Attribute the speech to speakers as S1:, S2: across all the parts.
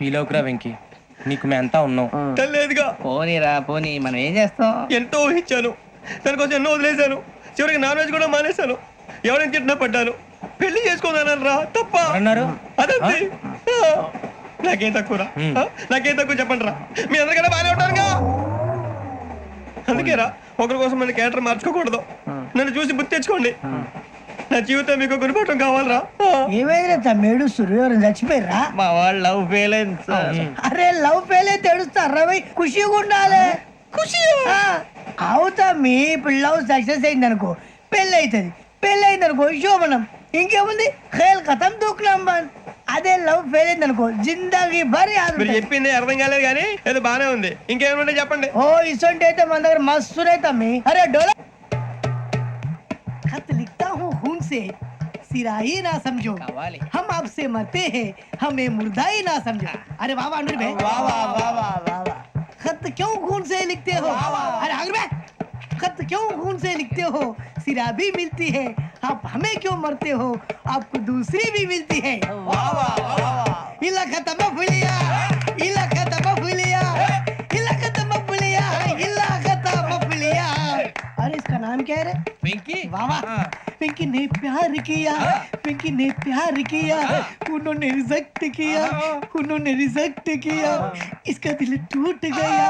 S1: Feel అవుకురా Venky, నీకు మేమంతా ఉన్నాం.
S2: తెలియదుగా.
S3: పోనీరా పోనీ, మనం ఏం చేస్తాం?
S2: ఎంతో ఊహించాను, దానికోసం ఎన్నో వదిలేశాను. చివరికి నాన్ వెజ్ కూడా మానేశాను. ఎవరైనా తిట్టినా పడ్డాను. పెళ్లి చేసుకోదానని రా తప్ప
S1: అన్నారు.
S2: అదంతే. నాకేం తక్కువరా? నాకేం తక్కువ చెప్పండి రా. మీ అందరికన్నా బాగానే ఉంటారుగా. అందుకే రా, ఒకరి కోసం మన క్యారెక్టర్ మార్చుకోకూడదు. నన్ను చూసి బుద్ధి తెచ్చుకోండి. నా జీవితం మీకు గురిపటం కావాలరా.
S4: ఏమైనా తమ్మేడు సూర్యవరం చచ్చిపోయిరా?
S3: మా వాళ్ళు లవ్ ఫెయిల్ అయింది సార్.
S4: అరే లవ్ ఫెయిల్ అయితే ఏడుస్తారా? ఖుషిగా ఉండాలి. ఖుషి అవుతా. మీ ఇప్పుడు లవ్ సక్సెస్ అయింది అనుకో, పెళ్ళి అవుతుంది. పెళ్ళి అయింది అనుకో శోభనం. ఇంకేముంది, ఖేల్ కథం దూకునాం బాన్. అదే లవ్ ఫెయిల్ అయింది అనుకో జిందాగీ భారీ.
S2: మీరు చెప్పింది అర్థం కాలేదు కానీ ఏదో బానే ఉంది. ఇంకేమైనా చెప్పండి.
S4: ఓ ఇసొంటి అయితే మన దగ్గర మస్తునే తమ్మి. అరే డోలా खत लिखता हूँ खून से, सिरा ही ना समझो, हम आपसे मरते हैं, हमें मुर्दा ही ना समझो. अरे वाह वाह अनुर भाई, वाह वाह वाह वाह वाह वाह. खत क्यों खून से लिखते हो? अरे अनुर भाई, खत क्यों खून से लिखते हो? सिरा भी मिलती है, आप हमें क्यों मरते हो? आपको दूसरी भी मिलती है. वाह वाह वाह. इला खत्म फुलिया, इला खत्म फुलिया, इला खत्म फुलिया, इला खत्म फुलिया. अरे इसका नाम क्या है रे?
S3: వెంకీ.
S4: वाह वाह. पिंकी ने प्यार किया, पिंकी ने प्यार किया, उन्होंने रिजेक्ट किया, उन्होंने रिजेक्ट किया, इसका दिल टूट गया.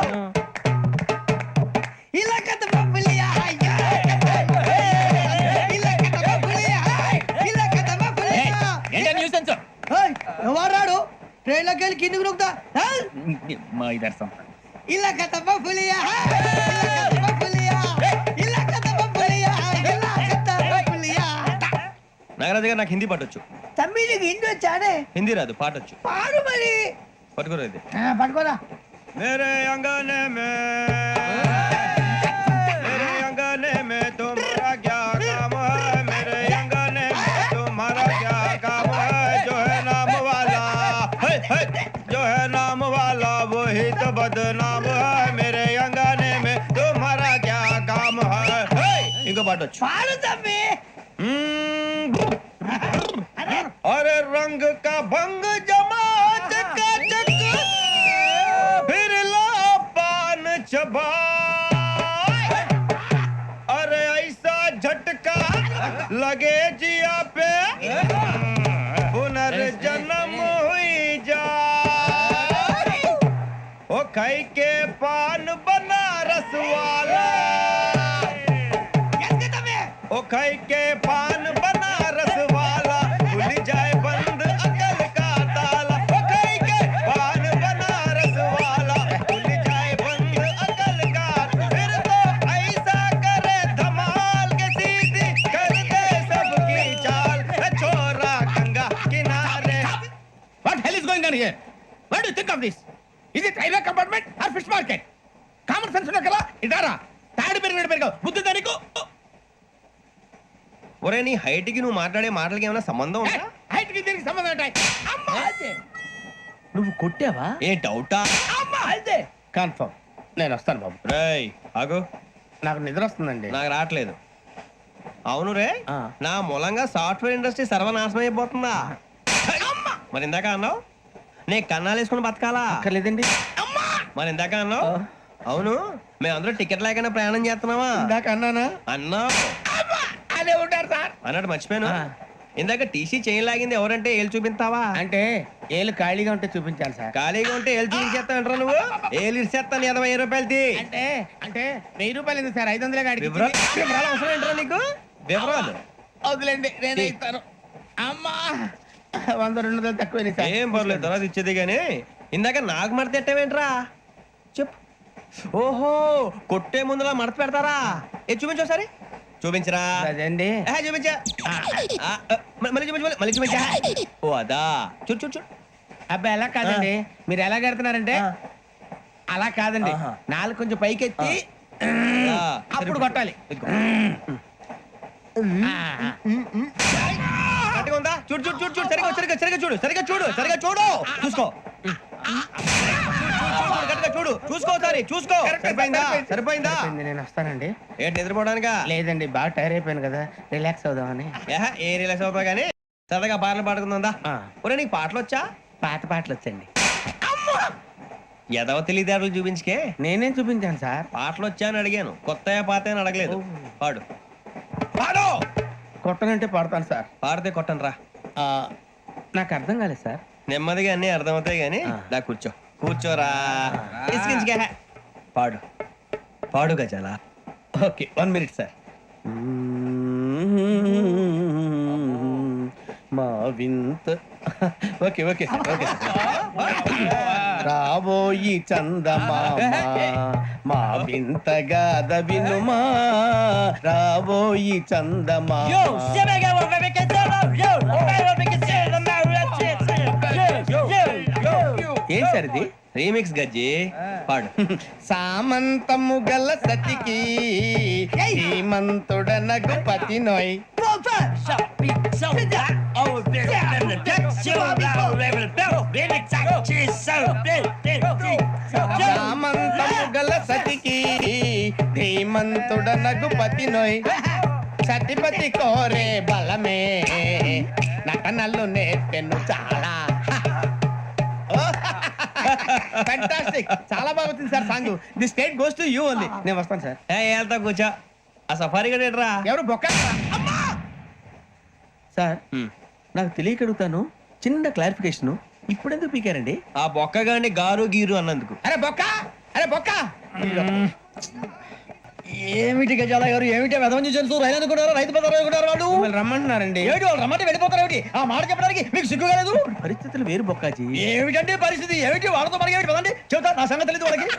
S4: इलाका तो बबलिया है, इलाका तो बबलिया है, इलाका तो बबलिया.
S3: ఏంటా న్యూసెన్స్?
S4: ओए ఎవరాడు ట్రైన్ లోకి వెళ్ళి కిందికి నొక్కుతా?
S3: మా ఇదర్సం.
S4: इलाका तो बबलिया है, इलाका तो बबलिया, इलाका तो बबलिया, इलाका तो बबलिया.
S2: నాగరాజు గారు, నాకు హిందీ పాటొచ్చు.
S4: తమ్మి నీకు హిందీ వచ్చానే?
S2: హిందీ రాదు, పాటొచ్చు.
S4: పాడు మరి.
S2: పట్టుకోరా ఇది.
S4: పట్టుకోరా.
S2: मेरे अंगने में, मेरे अंगने में तुम्हारा क्या काम है? मेरे अंगने में तुम्हारा क्या काम है? जो है नाम वाला, जो है नाम वाला वही तो बदनाम है. मेरे अंगने में तुम्हारा क्या काम है? इनको बाटो.
S4: పాడు తమ్మి.
S2: अरे रंग का भंग जमा चकाचक, फिर ला पान चबा. अरे ऐसा झटका लगे जिया पे, पुनर्जन्म हुई जा. ओ खाई के पान बनारस वाला, ओ खाई के पान बनारस वाला, खुल जाए बंद अकल का ताला. ओ खाई के पान बनारस वाला, खुल जाए बंद अकल का. फिर तो ऐसा करे धमाल के सीधी कर दे सबकी चाल. छोरा गंगा किनारे.
S3: What hell is going on here? What do you think of this? Is it railway compartment or fish market? Common sense ఉన్న కదా ఇదారా. తాడి పెరిగావు బుద్ధి దానికి.
S2: ఒరే, నీ హైట్ కి నువ్వు మాట్లాడే మాటలకి ఏమైనా సంబంధం ఉందా?
S3: హైట్ కి దీనికి సంబంధం ఉంటాయి. అమ్మా
S1: నువ్వు కొట్టావా?
S2: ఏ డౌటా?
S3: అమ్మా అయితే కన్ఫర్మ్. నేను వస్తాను బాబు.
S2: రేయ్ ఆగు,
S3: నాకు నిద్ర వస్తుందండి.
S2: నాకు రావట్లేదు. అవును రే, నా మూలంగా సాఫ్ట్వేర్ ఇండస్ట్రీ సర్వనాశనం అయిపోతుందా? మరి ఇందాక అన్నావు నే కన్నాలు వేసుకుని బతకాలా?
S3: లేదండి.
S2: మరి ఇందాక అన్నావు అవును మేమందరూ టికెట్ లేకుండా ప్రయాణం చేస్తున్నావా?
S3: ఇందాక అన్నానా?
S2: అన్నావు.
S3: అదే ఉంటారు సార్.
S2: అన్నట్టు మర్చిపోయాను, ఇందాక టీసీ చేయి లాగింది ఎవరంటే ఏళ్ళు చూపిస్తావా?
S3: అంటే ఏళ్ళు ఖాళీగా ఉంటే చూపించాలి సార్.
S2: ఖాళీగా ఉంటే ఏళ్ళు చూపించేస్తానంటారా నువ్వు? ఏళ్ళు ఇచ్చేస్తాను 20 రూపాయలది.
S3: అంటే అంటే 1000 రూపాయలు ఎందుకు సార్? 500 గాడికి
S2: వివరాలు అవసరం ఏంటరా నీకు? వివరాలు
S3: వదిలేండి, నేనే ఇస్తాను. అమ్మా 100 200 తక్కువ సార్.
S2: ఏం పర్లేదు, తర్వాత ఇచ్చేది. కానీ ఇందాక నాకు మడత ఎట్టవేంట్రా చెప్పు. ఓహో, కొట్టే ముందులా మడత పెడతారా? ఏ చూపించు ఒకసారి. చూపించరా?
S3: అదండి.
S2: చూపించా. మళ్ళీ చూపించు, మళ్ళీ చూపించా. ఓ అదా, చూడు చూడు చూడు.
S3: అబ్బాయి ఎలా కాదండి, మీరు ఎలా కడుతున్నారంటే అలా కాదండి. నాలుగు కొంచెం పైకెత్తి అప్పుడు కొట్టాలి.
S2: కరెక్ట్గా ఉందా? చూడు చూడు చూడు చూడు. సరిగా సరిగా సరిగా చూడు, సరిగా చూడు, సరిగా చూడు. చూసుకో, చూడు చూసుకో, సరే చూసుకో. సరిపోయిందా? సరిపోయిందా?
S3: నేను వస్తానండి.
S2: ఏంటి నిద్రపోవడానికా?
S3: లేదండి, బాగా టైర్ అయిపోయాను కదా, రిలాక్స్ అవుదామని.
S2: ఏ రిలాక్స్ అవుతావు కానీ సరదాగా పాటలు పాడుకుందా? ఒరే నీకు పాటలు వచ్చా?
S3: పాత పాటలు వచ్చండి.
S2: ఎదవ తెలివితేటలు చూపించుకే.
S3: నేనేం చూపించాను సార్?
S2: పాటలు వచ్చా అని అడిగాను, కొత్త పాత అని అడగలేదు. పాడు.
S3: పాడు. కొట్టనంటే పాడతాను సార్.
S2: పాడితే కొట్టను రా.
S3: నాకు అర్థం కాలేదు సార్.
S2: నెమ్మదిగా అన్ని అర్థమవుతాయి కానీ దా కూర్చో. కూర్చోరా. ఇసుకించుకే. పాడు. పాడు గజాల.
S3: Okay 1 minute sir. మా వింత. Okay okay sir, okay sir. రాబోయి చందమామ మా వింతగా వినుమా, రాబోయి చందమామ. ఏం సార్ ఇది?
S2: రీమిక్స్ గజ్జి. పాడు.
S3: సామంతము గల సతికి శ్రీమంతుడనగు పతి నోయ్. సామంతము గల సతికి ధీమంతుడనగు పతి నోయ్. సతిపతి కోరే బలమే నటనలు నేర్పెను చాలా. ఫ్యాంటాస్టిక్, చాలా బాగుంది sir song. The state goes to you only. నేను వస్తాను సార్.
S2: వెళ్తా కూర్చో. ఆ సఫారీ గడేట్రా.
S3: ఎవరు బొక్క? సార్ నాకు తెలియక అడుగుతాను, చిన్న క్లారిఫికేషన్. ఇప్పుడు ఎందుకు పీకారండి?
S2: ఆ బొక్కగాని గారు గీరు అన్నందుకు.
S3: అరే బొక్క, అరే బొక్క.
S4: ఏమిటి గజాల గారు, ఏమిటి వెదవని తెలుసు? రైలు అనుకున్నారు, రైతు బజార్ అనుకున్నారు వాళ్ళు.
S3: మిమ్మల్ని రమ్మంటున్నారండి.
S4: ఏమిటి వాళ్ళు రమ్మంటే వెళ్ళిపోతారు? ఏమిటి ఆ మాట చెప్పడానికి మీకు సిగ్గు కాలేదు?
S3: పరిస్థితులు వేరు బొక్కాజీ.
S4: ఏమిటంటే పరిస్థితి ఏమిటి? వాళ్ళతో మనకి ఏమిటి కదండి? చెబుతా, నా సంగతి తెలియదు వాళ్ళకి.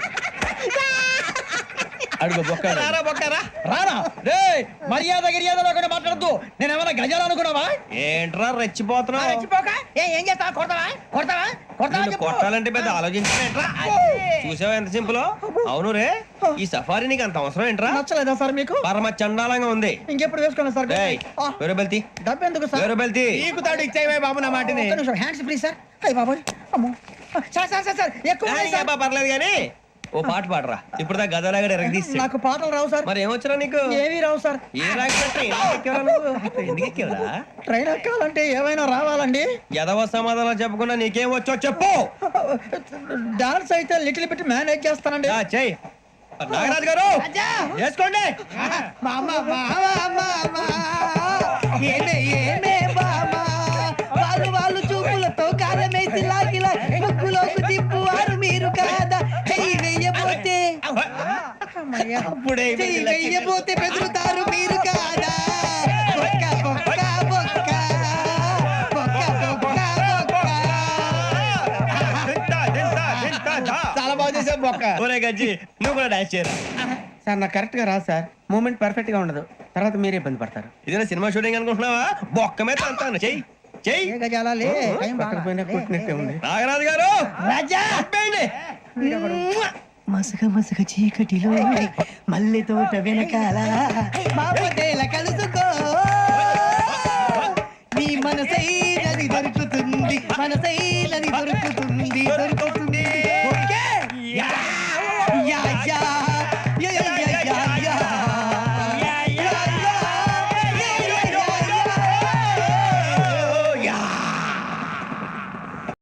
S3: అడుగు బొక్క.
S2: రారా బొక్కరా.
S4: రానా రే, మర్యాద గిర్యాద లేకుండా మాట్లాడద్దు. నేను ఏమైనా గజాలు అనుకున్నావా?
S2: ఏంట్రా రెచ్చిపోతున్నావు?
S4: రెచ్చిపోక ఏం చేస్తావా? కొడతావా కొడతావా కొడతావా
S2: నిన్ను
S4: చెప్పు.
S2: కొట్టాలంటే పెద్ద ఆలోచించలేంట్రా. చూసావా ఎంత సింపుల్. అవును రే, ఈ సఫారీ నీకు అంత అవసరం ఏంట్రా?
S4: నచ్చలేదా సార్ మీకు?
S2: పరమ చండాలంగా ఉంది.
S4: ఇంకెప్పుడు వేసుకోండి సార్.
S2: ఏయ్, వేరే బెల్తి.
S4: డబ్బు ఎందుకు సార్?
S2: వేరే బెల్తి.
S3: నీకు తాడు ఇచ్చేవే బాబు నా మాటని.
S4: ఒక్క నిమిషం, హ్యాండ్స్ ఫ్రీ సార్. అయ్య బాబోయ్, అమ్మో. సార్ సార్ సార్ సార్ ఎక్కువ ఉన్నాయి
S2: ఏయ్,
S4: సార్.
S2: అబ్బా, పర్లేదు కానీ ఓ పాట పాడరా. ఇప్పుడు దా గదలాగడ ఎరగ తీసి.
S4: నాకు పాటలు రావు సార్.
S2: మరి ఏమొచ్చరా నీకు?
S4: ఏమీ రావు సార్.
S2: ఏ రాకపోతే ఎందుకు ఎక్కేవరా?
S4: ట్రైన్ ఎక్కాలంటే ఏమైనా రావాలండి.
S2: ఎదవ సమాధానం చెప్పకుండా నీకేం వచ్చో చెప్పు.
S4: డాన్స్ అయితే లిటిల్ బిట్ మేనేజ్ చేస్తానండి.
S2: చెయ్యి. నాగరాజు గారు
S4: రాజా!
S2: చేసుకోండి.
S4: మామ మామ మామ ఏమే ఏమే మామ వాళ్ళు వాళ్ళు చూపులతో కాలమేసి లాగిలా ముక్కులోకి తిప్పువారు మీరు కాదా? చెయ్యి వెయ్యబోతే
S3: అప్పుడే
S4: చెయ్యి వెయ్యబోతే బెదురుతారు మీరు కాదా? బొక్క బొక్క బొక్క బొక్క బొక్క బొక్క.
S3: చాలా బాగా చేసావు బొక్క.
S2: ఒరే గజ్జి, నువ్వు కూడా డాన్స్ చేయరా.
S3: సార్ నాకు కరెక్ట్ గా రాదు సార్. మూమెంట్ పర్ఫెక్ట్ గా ఉండదు, తర్వాత మీరే ఇబ్బంది పడతారు.
S2: ఇదేనా సినిమా షూటింగ్ అనుకుంటున్నావా? బొక్క మీద అంతాను. చెయ్యి చెయ్యి.
S4: ఏ గజాలా లే, టైం బాగా.
S3: పక్కన పోయినా కొట్టినట్టే ఉంది.
S2: నాగరాజు గారు
S4: రాజా
S2: ఆపేయండి.
S4: మసక మసక చీకటిలో మల్లె తోట వెనకాల మాపటేల కలుసుకో నీ మనసైనది దొరుకుతుంది, మనసైనది దొరుకుతుంది దొరుకుతుంది.